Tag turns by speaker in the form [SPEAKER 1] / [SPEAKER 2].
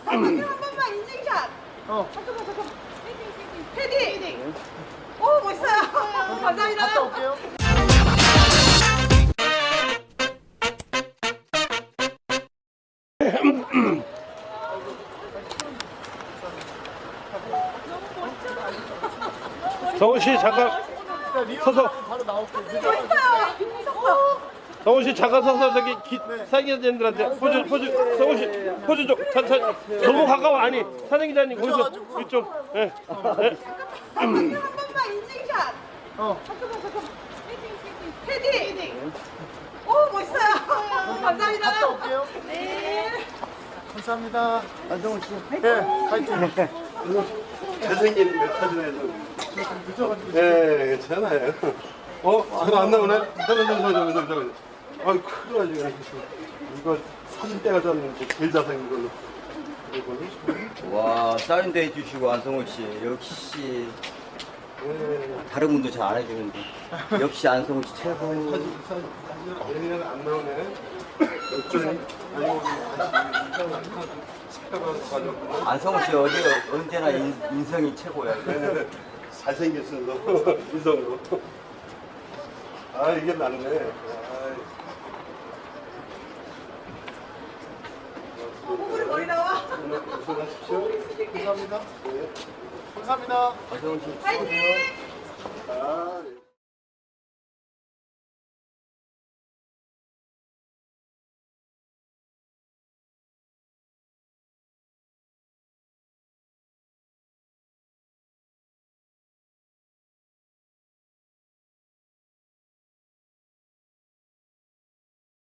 [SPEAKER 1] 한 번만 인증샷. 잠깐만. 헤딩. 오, 멋있어요. 감사합니다.
[SPEAKER 2] 갔다 올게요.
[SPEAKER 3] 정훈 씨 잠깐 서서.
[SPEAKER 2] 바로 나올게요.
[SPEAKER 1] 멋있어요.
[SPEAKER 3] 정훈 씨 잠깐 서서 저기 사기자님들한테 포즈 정훈 씨 포즈 좀 너무 가까워 아니 사진 기자님 거기서 이쪽 예.
[SPEAKER 1] 한 번만 인증샷. 잠깐만. 헤딩. 오, 멋있어요. 감사합니다.
[SPEAKER 2] 갔다 올게요.
[SPEAKER 1] 네.
[SPEAKER 2] 감사합니다.
[SPEAKER 4] 안정훈 씨.
[SPEAKER 2] 네, 파이팅.
[SPEAKER 3] 잘생긴 메타전에서
[SPEAKER 2] 늦어가지고.
[SPEAKER 3] 예 괜찮아요. 전화 안 나오네. 잠깐. 아이 큰일 나지 이거 사진 떼가졌는데 제일 잘생긴 걸로.
[SPEAKER 4] 와, 사인도 해주시고 안성훈 씨 역시 다른 분도 잘 안 해주는데 역시 안성훈 씨 최고.
[SPEAKER 3] 얘는 안 나오네. 어쩌니? 아니고 식당가서 가져왔구나.
[SPEAKER 4] 안성훈 씨 언제나 인성이 최고야.
[SPEAKER 3] 잘생겼어, 인성으로. 아, 이게 낫네.
[SPEAKER 1] 오늘 머리 나와.
[SPEAKER 3] 고생하십시오.
[SPEAKER 2] 감사합니다. 감사합니다.
[SPEAKER 4] 안성훈 씨
[SPEAKER 1] 파이팅.
[SPEAKER 3] 아, 예.